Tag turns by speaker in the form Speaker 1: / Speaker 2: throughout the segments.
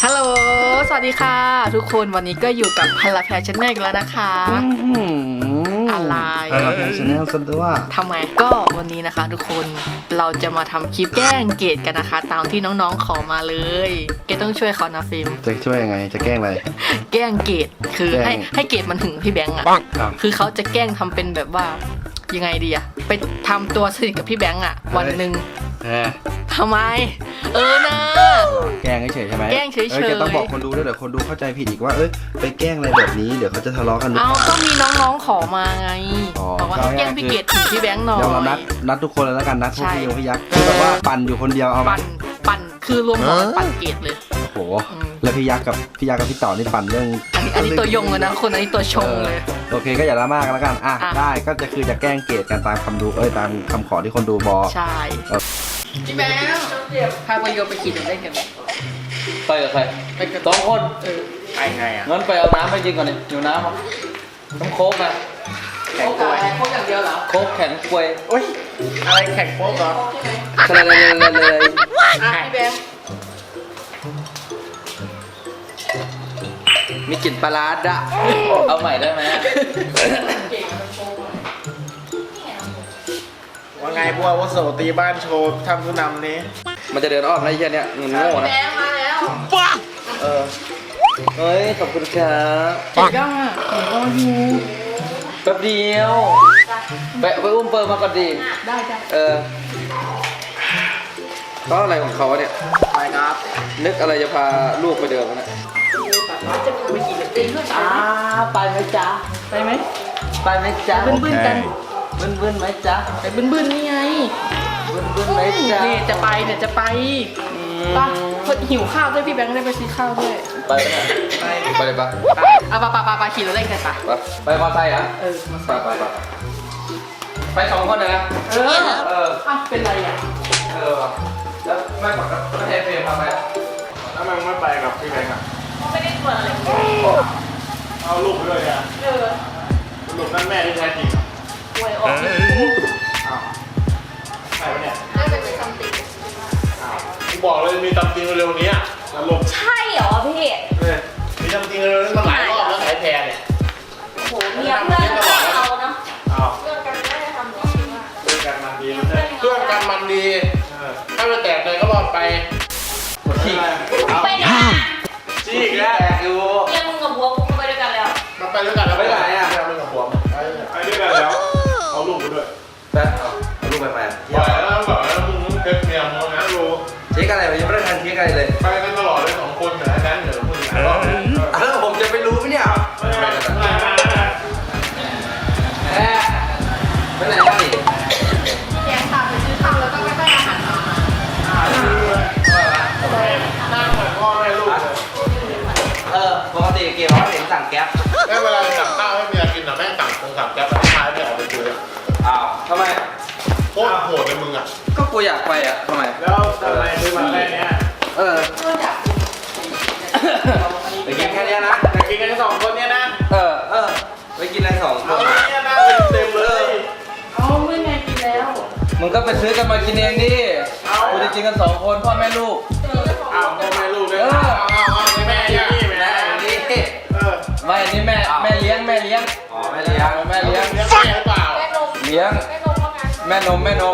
Speaker 1: ฮัลโหลสวัสดีค่ะทุกคนวันนี้ก็อยู่กับพลแพรชแนลอีกแล้วนะคะอะไร
Speaker 2: พลแพรชแนลซะด้วย
Speaker 1: ทำไมก็วันนี้นะคะทุกคนเราจะมาทำคลิปแกล้งเกดกันนะคะตามที่น้องๆขอมาเลยเกดต้องช่วยเขานะฟิล์ม
Speaker 2: จะช่วยยังไงจะแกล้งอะไร
Speaker 1: แกล้งเกดคือให้เกดมันถึงพี่แบงค์อ่ะคือเขาจะแกล้งทำเป็นแบบว่ายังไงดีอะไปทำตัวสนิทกับพี่แบงค์อะวันหนึ่งทำไมนะ
Speaker 2: แกล้งเฉยใช่ไหม
Speaker 1: แกล้งเฉยๆ
Speaker 2: จะต้องบอกคนดูด้วยเดี๋ยวคนดูเข้าใจผิดอีกว่าไปแกล้งอะไรแบบนี้เดี๋ยวเขาจะทะเลาะกันหรือเปล่า
Speaker 1: ก็มีน้องๆขอมาไงบอกว่าแกล้งพี่เกดถึงพี่แบงค์หน่อย
Speaker 2: เดี๋ยวเรานัดทุกคนเลยแล้วกันนัดพวกพี่ยักษ์คือแบบว่าปั่นอยู่คนเดียวเอา
Speaker 1: ปั่นคือรวมหัวปั่นเกดเลย
Speaker 2: โอ้โหแล้วพี่ยักษ์กับพี่ต่อนี่ปั่นเรื่อง
Speaker 1: อันนี้ตัวยงเลยนะคนอันนี้ตัวชงเลย
Speaker 2: โอเคก็อย่าละมากกันแล้วกันได้ก็จะคือจะแกล้งเกดกันตามคำดูตามคำขอที่คนดูบอก
Speaker 1: ใช่พี่แบงค์พาไปโยไปขี่เล่นกัน
Speaker 3: ไปกับใครไปกับ2 คน
Speaker 1: ไปไงอ่ะ
Speaker 3: งั้นไปเอาน้ำไปกินก่อนดิอยู่น้ำต้องโค้กนะ
Speaker 1: โค้กอย่างเดียวเหรอ
Speaker 3: โค้กแข็งกล้วย
Speaker 1: อะไรแข็งโค้กเหรอ
Speaker 3: เลย
Speaker 1: พี่แบงค์
Speaker 3: มีกลิ่นปลาร้าดะเอาใหม่ได้ไหม
Speaker 4: ว่าไงบัววัสดุตีบ้านโชว์ทำผู้นำนี้
Speaker 3: มันจะเดินอ้อมนะไอ้เหี้ยเนี่ยมึงโง่นะ
Speaker 1: แบงค์มาแล้ว
Speaker 3: เฮ้ยขอบคุณครับ
Speaker 1: ปังย่างอ่ะรออยู่
Speaker 3: แป๊บเดียวไปอุ้มเปิร์มาก่อนดี
Speaker 1: ได้
Speaker 3: เขาอะไรของเขาเนี่ย
Speaker 4: ไปครับ
Speaker 3: นึกอะไรจะพาลูกไปเดินกันนะ
Speaker 1: จะไปขี่เล่นด้วย
Speaker 3: ไปไหมจ๊ะ
Speaker 1: ไปไหม
Speaker 3: ไปไหมจ๊ะ
Speaker 1: บึ้นกัน
Speaker 3: บึ้นไหมจ๊ะ
Speaker 1: ไปบึ้นนี่ไง
Speaker 3: บึ้นไหมจ๊ะ
Speaker 1: นี่จะไปป่ะหิวข้าวด้วยพี่แบงค์ได้ไปซื้อข้าวด้วย
Speaker 3: ไปเลยปะ
Speaker 1: ไปขี่รถเล่นกัน
Speaker 3: ไปมอไซค์อ่ะไป2 คนเลยนะ
Speaker 1: เป็นไรอ่ะ
Speaker 3: แล้วไม่บอกกับประเทศเฟรมพาไป
Speaker 4: แล้วมันไม่ไปกับพี่แบงค์อ่ะ
Speaker 1: ไม่ได้ชวนอะไร
Speaker 4: เอาลูกไปด้วยอ่ะลูกนั่นแม่ที่แท้จริง
Speaker 1: หวยออก
Speaker 4: ใช่ไหมเนี่ย
Speaker 1: น่าจะเป็นซัมติง
Speaker 4: กูบอกเลยมีซัมติงเร็วนี้อ่ะแล้วลูก
Speaker 1: ใช่เหรอพี่
Speaker 4: มีซัมติงเร็วนี้มาหลายรอบแล้วสายแพรเนี่ย
Speaker 1: โอ้โหเมียเพื่อนเราเนาะ
Speaker 4: เรื่องกันไม่ได้ทำหรอเรื่องกันมันดีเรื่องกันมันดีถ้าไม่แตกเลยก็รอดไป
Speaker 1: ไปไหน
Speaker 4: จี้แล้วแตกอยู่
Speaker 1: ยังมึงกับบัวกูไปด้วยกันแล้ว
Speaker 4: มันไปด้วยกันแล้วไปไหนอ่ะมึงกับบัวไปด้วยกันแล้วเอาลูกไปด้วย
Speaker 3: เอาลูกไปไหม
Speaker 4: บอกแล้วมึงเด็กเมียมึงนะรู้
Speaker 3: เช็คอะไรยังไม่ได้ทันเช็คอะไรเลย
Speaker 4: ไปกันตลอดเลย2 คนนะนั้นเดี๋ยวมึง
Speaker 3: แล้วผมจะไปรู้ไหมเนี่ยไปไหนกันดิ
Speaker 1: แกงพาไปซื้อข้าวแล้วก็ไปอาหารมา
Speaker 4: นั่งเหมือนพ่อแม่ลูก
Speaker 3: ปกติเกี่ยวกับเห็นสั่งแก๊ป
Speaker 4: เวลาสั่งข้าวให้เมียกินนะแม่สั่งแก๊ปแล้วท้ายไม่ออกไปซื้อ
Speaker 3: ทำไม
Speaker 4: โคตรโหดเลยมึงอ่ะ
Speaker 3: ก็กูอยากไปทำไม
Speaker 4: แล้วทำไมซื้อมาแค่นี้
Speaker 3: ไปกินแค่นี้นะ
Speaker 4: ไปกินกัน2 คนเนี่ยนะ
Speaker 3: ไปกินอะไร2 คน
Speaker 4: เนี่ยนะเต็มเลย
Speaker 1: ไม่ไงกินแล้ว
Speaker 3: มึงก็ไปซื้อกันมากินเองดิกูจะกินกัน2 คนพ่อแม่ลูก
Speaker 4: พ่อแม่ลูกเลยแม่นี่
Speaker 3: ไม่อันนี้แม่เลี้ยงแม่เลี้ยง
Speaker 4: หรือเปล่า
Speaker 3: เลี้ยงแม่นมแม่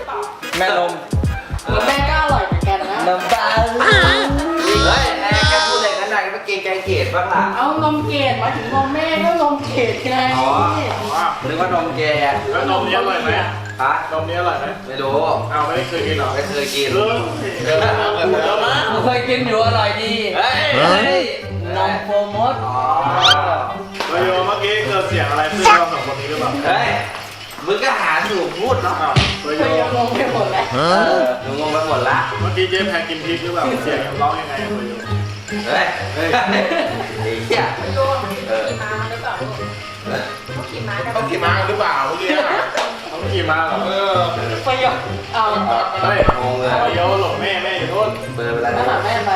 Speaker 1: ก็อร่อยเหมือนกันนะ
Speaker 3: น้ำตาเฮ้ยแกพูดอะไรกันไหนเมื่อกี้แกเกลียดบ้างล่ะ
Speaker 1: เอานมเกดมาถึงนมแม่ก็นมเกดไง
Speaker 3: นึกว่านมแก
Speaker 4: แล้วนมนี้อร่อยไหมนมนี้อร่อยไหม
Speaker 3: ไม่รู้
Speaker 4: ไม่เคยกินหรอ
Speaker 3: ไม่เคยกิน
Speaker 4: เค
Speaker 3: ยกินอยู่อร่อยดีนมโปรโมท
Speaker 4: เมื่อกี้เกิดเสียงอะไรขึ้นเรา2 คนนี้หรือเปล่า
Speaker 3: มึงก็หาสูตรพูดเนาะ
Speaker 1: งงไปหมดแล้ว
Speaker 3: มึงงงไปหมดละ
Speaker 4: เมื่อกี้เจ๊แพงกินพริกหรือเปล่าเสียงร้องยังไง
Speaker 3: เฮ้ยเฮีย
Speaker 1: ขี่ม้าหรือเปล่าเขาขี่ม้า
Speaker 4: หรือเปล่าเมื่อกี้เขาขี่ม้าเหรอ
Speaker 1: ไปยก
Speaker 4: เฮ้ยงงเลยไปยกหลงแม่อยู่นู่น
Speaker 3: เบอร์อะไร
Speaker 1: นะแม่ไป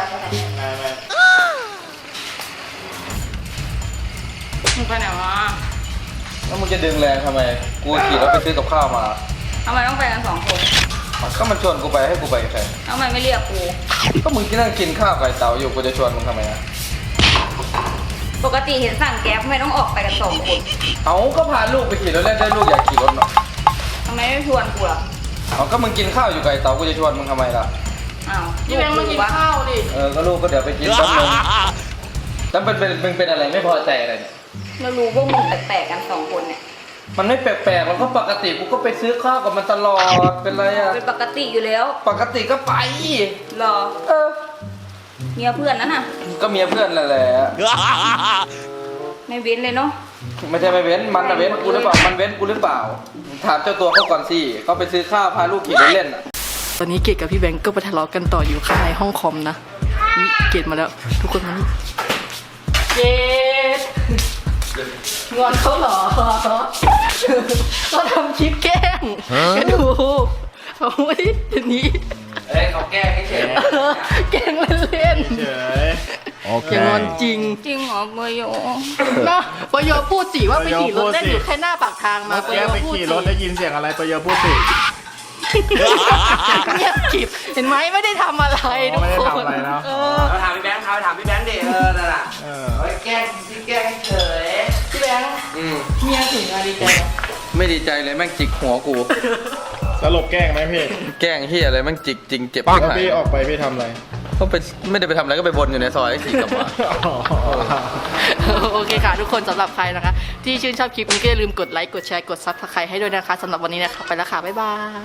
Speaker 1: มึงไปไหนวะ
Speaker 3: แล้วมึงจะดึงแรงทำไมกูขี่รถไปซื้อกับข้าวมา
Speaker 1: ทำไมต้องไปกัน2 คน
Speaker 2: ก็มันชวนกูไปให้กูไปกับใคร
Speaker 5: ทำไมไม่เรียกกู
Speaker 2: ก็มึงที่นั่งกินข้าวไก่เต๋าอยู่กูจะชวนมึงทำไมอะ
Speaker 5: ปกติเห็นสั่งแก๊ปไม่ต้องออกไปกัน2 คน
Speaker 2: เอาก็พาลูกไปขี่รถเล่นได้ลูกอยากขี่รถเนาะ
Speaker 5: ทำไมไม่ชวนกูล่ะ
Speaker 2: เอาก็มึงกินข้าวอยู่ไก่เต๋ากูจะชวนมึงทำไมล่ะ
Speaker 5: อ้าว
Speaker 1: พี่แบงค์มากินข้าวดิ
Speaker 2: ก็ลูกก็เดี๋ยวไปกินแป๊บนึงแล้วเป็นอะไรไม่พอใจอะไรเนี่ย
Speaker 5: เรารู้ว่ามึงแปลกๆกัน2 คนเนี่ย
Speaker 2: มันไม่แปลกๆมันก็ปกติกูก็ไปซื้อข้าวกับมันตลอดเป็นไรอะ
Speaker 5: เป็นปกติอยู่แล้ว
Speaker 2: ปกติก็ไป
Speaker 5: รอ
Speaker 2: เออ
Speaker 5: เมียเพื่อนนั่นน่ะ
Speaker 2: ก็เมียเพื่อนนั่นแหละ
Speaker 5: ไม่เว้นเลยเนาะ
Speaker 2: ไม่ใช่ไม่เว้นมันอะเว้นกูหรือเปล่ามันเว้นกูหรือเปล่าถามเจ้าตัวเขาก่อนสิเขาไปซื้อข้าวพาลูกขี่รถเล่นอะ
Speaker 1: ตอนนี้เกดกับพี่แบงค์ก็ไปทะเลาะกันต่ออยู่ข้างในห้องคอมนะนี่เกดมาแล้ว ทุกคนมานี่เกดงอนเขาเหรอก็ทำคลิปแกล้งก็ดูเอาไว้ทีนี้
Speaker 3: เอ้ยเขาแก้ให้เฉย
Speaker 1: แกล้งเล่น
Speaker 4: เฉย
Speaker 1: ๆอย่างอนจริง
Speaker 5: จริงเหรอเบอร์โย
Speaker 1: นะปยพูดสิว่าไปขี่รถเล่นอยู่แค่หน้าปากทางมา
Speaker 4: เมื่อกี้ไปขี่รถได้ยินเสียงอะไรไปเยอะพูดสิ
Speaker 1: เงียบกริบเห็นไหมไม่ได้ทำอะไรทุก
Speaker 4: ไม่ได้
Speaker 1: คน
Speaker 4: ทำอะไรเนาะ
Speaker 1: เออ
Speaker 3: เราถามพี่แบงค์เขาถามพี่แบงค์ดินั่นแหละ
Speaker 4: เออ
Speaker 3: เฮ้ยแกล้งพี่แกล้งเฉย
Speaker 1: พี่แบงค์เมียถึงมาดีใจไหม
Speaker 2: ไม่ดีใจเลยแม่งจิกหัวกู
Speaker 4: สรุปแกล้งไหมพี่
Speaker 2: แกล้งเฮียอะไรแม่งจิกจริงเจ็บ
Speaker 4: แล้ว
Speaker 2: ที่ไหน
Speaker 4: พี่ออกไปพี่ทำอะไร
Speaker 2: ก็ไปไม่ได้ไปทำอะไรก็ไปบนอยู่ในซอยขี่กลับมา
Speaker 1: โอเคค่ะทุกคนสำหรับใครนะคะ ที่ชื่นชอบคลิปนี้ก็อย่าลืมกดไลค์กดแชร์กดซับสไครต์ให้ด้วยนะคะสำหรับวันนี้นะคะไปแล้วค่ะบ๊ายบาย